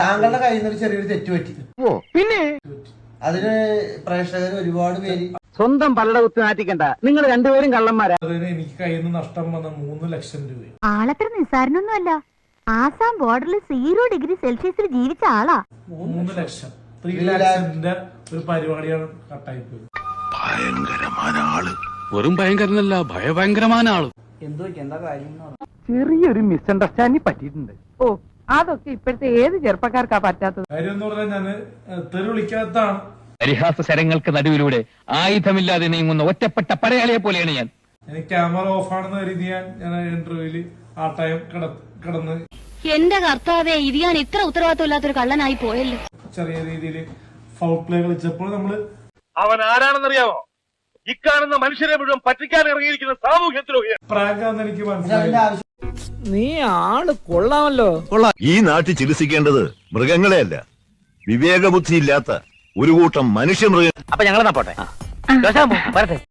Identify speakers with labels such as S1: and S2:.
S1: താങ്കളുടെ കയ്യിൽ നിന്ന് ചെറിയൊരു തെറ്റ് പറ്റി.
S2: പിന്നെ
S1: അതിന് പ്രേക്ഷകർ ഒരുപാട് പേര്
S2: സ്വന്തം പലട കുത്തി നാറ്റിക്കണ്ട. നിങ്ങൾ രണ്ടുപേരും കള്ളന്മാരാ.
S3: എനിക്ക് കയ്യിൽ നിന്ന് നഷ്ടം വന്ന 3 ലക്ഷം രൂപ.
S4: ആളത്ര നിസ്സാരനൊന്നുമല്ല. ആസാം ബോർഡറിൽ 0 ഡിഗ്രി സെൽഷ്യസിൽ ജീവിച്ച ആളാ.
S3: 3 ലക്ഷം 3 ലാക്സിന്റെ ഒരു പരിപാടിയാണ് കട്ടായി പോയി.
S5: ഭയങ്കരമായ ആള്.
S6: വെറും ഭയങ്കരനല്ല, ഭയഭയങ്കരമായ ആള്.
S1: എന്താ കാര്യം?
S2: ചെറിയൊരു മിസ്അണ്ടർസ്റ്റാൻഡിങ് പറ്റിയിട്ടുണ്ട്. ഓ, അതൊക്കെ ഇപ്പോഴത്തെ ഏത് ചെറുപ്പക്കാർക്കാ പറ്റാത്തത്.
S3: കാര്യം എന്ന് പറഞ്ഞാൽ ഞാന് തെറി വിളിക്കാത്തതാണ്.
S7: പരിഹാസ ശരങ്ങൾക്ക് നടുവിലൂടെ ആയുധമില്ലാതെ നീങ്ങുന്ന ഒറ്റപ്പെട്ട പടയാളിയെ പോലെയാണ് ഞാൻ.
S3: എനിക്ക് ക്യാമറ ഓഫ് ആണെന്ന് കരുതി ഞാൻ ഇന്റർവ്യൂവില് ആ ടൈം കിടന്ന്
S4: എന്റെ കർത്താവേ, ഇത് ഞാൻ ഇത്ര ഉത്തരവാദിത്വം ഇല്ലാത്തൊരു കള്ളനായി പോയല്ലോ.
S3: ചെറിയ രീതിയിൽ ഫൗൾ പ്ലേ കളിച്ചപ്പോൾ നമ്മള്
S5: അവൻ ആരാണെന്നറിയാമോ? ഇക്കാണുന്ന മനുഷ്യരെ മുഴുവൻ പറ്റിക്കാൻ ഇറങ്ങിയിരിക്കുന്ന സാമൂഹ്യത്തിലോ
S3: പ്രാങ്കാന്ന് എനിക്ക് മനസ്സിലായി.
S2: നീ ആള് കൊള്ളാമല്ലോ.
S5: ഈ നാട്ടിൽ ചികിത്സിക്കേണ്ടത് മൃഗങ്ങളെയല്ല, വിവേകബുദ്ധി ഇല്ലാത്ത ഒരു കൂട്ടം മനുഷ്യമൃഗ.
S2: അപ്പൊ ഞങ്ങളെന്നാ പോട്ടെ.